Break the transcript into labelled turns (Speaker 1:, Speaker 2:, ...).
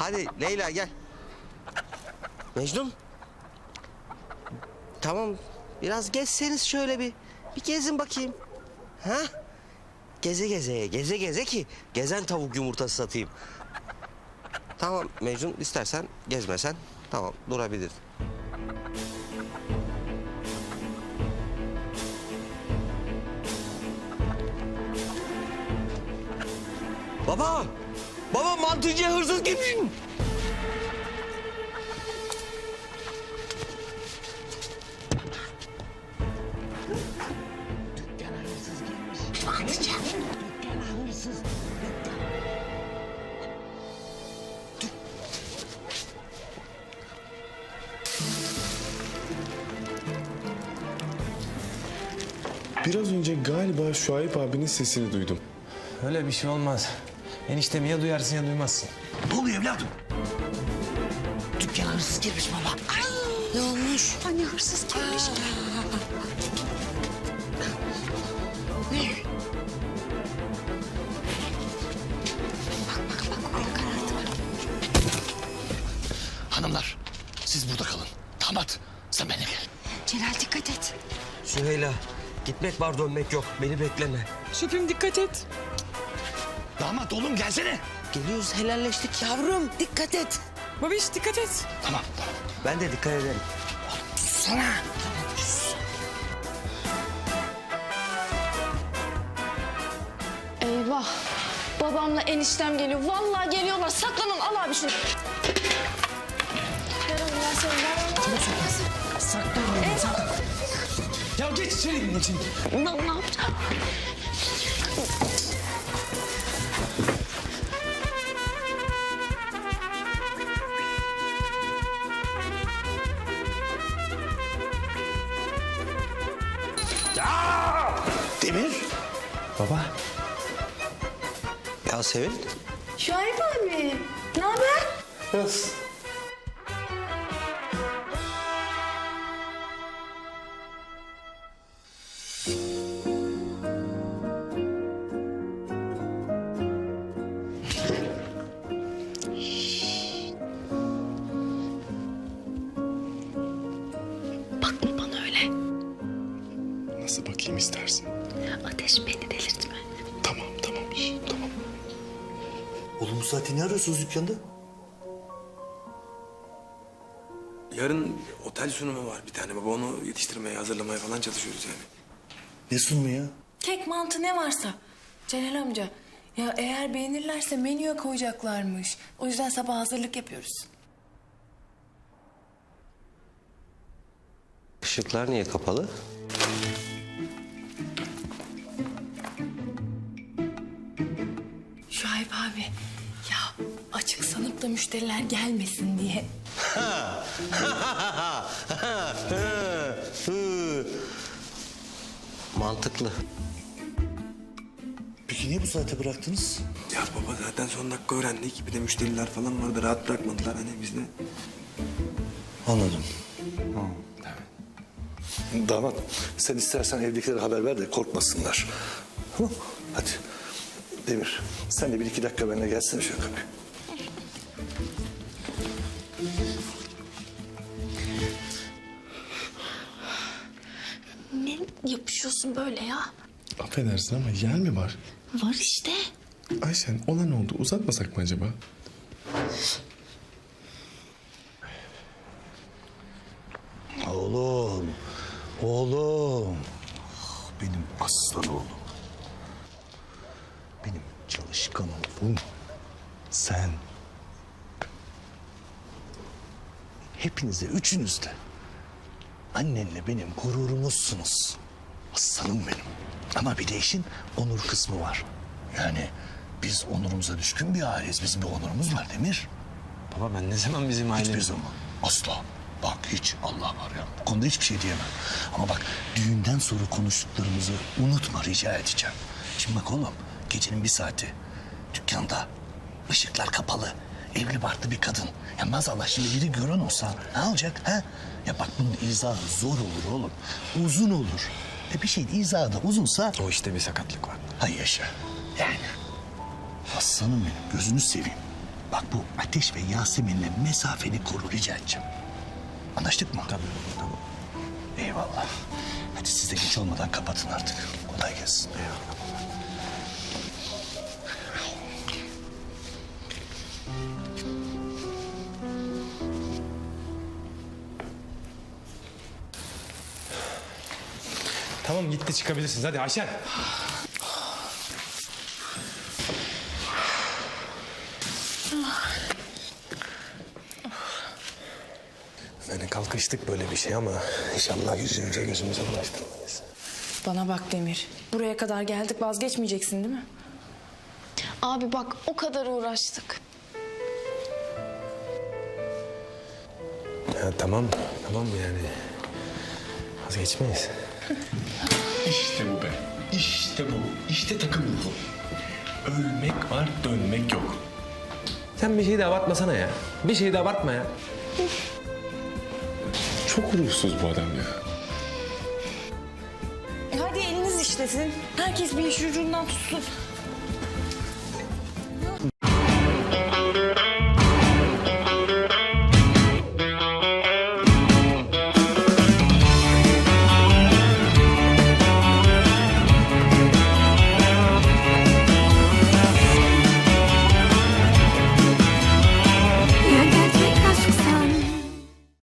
Speaker 1: Hadi Leyla gel. Mecnun. Tamam. Biraz gezseniz şöyle bir gezin bakayım. Ha? Geze geze ki gezen tavuk yumurtası satayım. Tamam Mecnun, istersen gezmesen tamam durabilir. Baba! Baba, mantıcıya hırsız girmiş.
Speaker 2: Dükkana hırsız girmiş. Mantıcı. Dükkana hırsız.
Speaker 3: Biraz önce galiba Şuayb abinin sesini duydum.
Speaker 4: Öyle bir şey olmaz. Eniştemi ya duyarsın ya duymazsın.
Speaker 2: Ne oluyor evladım? Dükkana hırsız girmiş baba. Ne olmuş?
Speaker 5: Anne hırsız girmiş.
Speaker 2: Hanımlar, siz burada kalın. Damat, sen benimle gel.
Speaker 5: Celal dikkat et.
Speaker 1: Süheyla, gitmek var dönmek yok. Beni bekleme.
Speaker 6: Şefim dikkat et.
Speaker 2: Damat oğlum gelsene.
Speaker 1: Geliyoruz, helalleştik ya.
Speaker 5: Yavrum dikkat et.
Speaker 6: Babiş dikkat et.
Speaker 2: Tamam.
Speaker 1: Ben de dikkat ederim.
Speaker 2: Sana.
Speaker 7: Eyvah. Babamla eniştem geliyor. Vallahi geliyorlar. Saklanın. Al abi şunu. Ver onu, ver seni, ver onu.
Speaker 4: Saklan. Ya geç içeri. Geç içeri.
Speaker 7: Ne yapacağım?
Speaker 2: Demir.
Speaker 4: Baba.
Speaker 1: Ya Sevil,
Speaker 7: Şuayb abi. Ne haber? Bakma bana öyle.
Speaker 3: Nasıl bakayım istersin?
Speaker 7: Ateş beni delirtme.
Speaker 3: Tamam. Tamam.
Speaker 8: Oğlum bu saatte ne arıyorsunuz dükkanda?
Speaker 4: Yarın otel sunumu var bir tane baba. Onu yetiştirmeye, hazırlamaya falan çalışıyoruz yani.
Speaker 8: Ne sunumu ya?
Speaker 9: Kek, mantı ne varsa. Celal amca, ya eğer beğenirlerse menüye koyacaklarmış. O yüzden sabah hazırlık yapıyoruz.
Speaker 1: ışıklar niye kapalı?
Speaker 9: Şuayb abi, ya açık sanıp da müşteriler gelmesin diye.
Speaker 1: Mantıklı.
Speaker 8: Peki niye bu saate bıraktınız?
Speaker 4: Ya baba zaten son dakika öğrendik. Bir de müşteriler falan vardı. Rahat bırakmadılar hani biz de.
Speaker 8: Anladım.
Speaker 10: Damat, sen istersen evdekilere haber ver de korkmasınlar. Tamam, hadi. Demir, sen de bir iki dakika benimle gelsene şöyle kapıya.
Speaker 7: Ne yapışıyorsun böyle ya?
Speaker 3: Affedersin ama yer mi var?
Speaker 7: Var işte.
Speaker 3: Ayşen, olan oldu. Uzatmasak mı acaba?
Speaker 8: Oğlum. Ah, benim aslan oğlum. Benim çalışkan oğlum. Sen. Hepinize, üçünüz de. Annenle benim gururumuzsunuz. Aslanım benim. Ama bir de işin onur kısmı var. Yani biz onurumuza düşkün bir aileyiz. Bizim bir onurumuz var Demir.
Speaker 4: Baba ben ne zaman bizim
Speaker 8: Hiçbir
Speaker 4: ailemiz...
Speaker 8: zaman. Asla. Bak hiç Allah var ya. Bu konuda hiçbir şey diyemem. Ama bak düğünden sonra konuştuklarımızı unutma rica edeceğim. Şimdi bak oğlum gecenin bir saati dükkanda ışıklar kapalı. Evli barklı bir kadın. Ya maazallah şimdi biri gören olsa ne olacak ha? Ya bak bunun izahı zor olur oğlum. Uzun olur. Bir şeyin izahı da uzunsa...
Speaker 4: O işte bir sakatlık var.
Speaker 8: Hay yaşa. Yani. Aslanım benim gözünü seveyim. Bak bu Ateş ve Yasemin'le mesafeni koru rica edeceğim. Anlaştık mı? Tabii. Tamam. Eyvallah. Hadi siz de geç olmadan kapatın artık. Kolay gelsin. Eyvallah.
Speaker 4: Tamam gitti çıkabilirsiniz. Hadi Ayşen. Yani kalkıştık böyle bir şey ama inşallah yüzümüze gözümüze bulaştırmayız.
Speaker 9: Bana bak Demir. Buraya kadar geldik, vazgeçmeyeceksin değil mi?
Speaker 7: Abi bak o kadar uğraştık.
Speaker 4: Ya tamam yani. Vazgeçmeyiz.
Speaker 3: İşte bu be. İşte bu. İşte takım ruhu. Ölmek var, dönmek yok.
Speaker 4: Sen bir şeyi de abartmasana ya. Bir şeyi de abartma ya.
Speaker 3: Çok ruhsuz bu adam ya.
Speaker 9: Hadi eliniz işlesin. Herkes bir iş ucundan tutsun.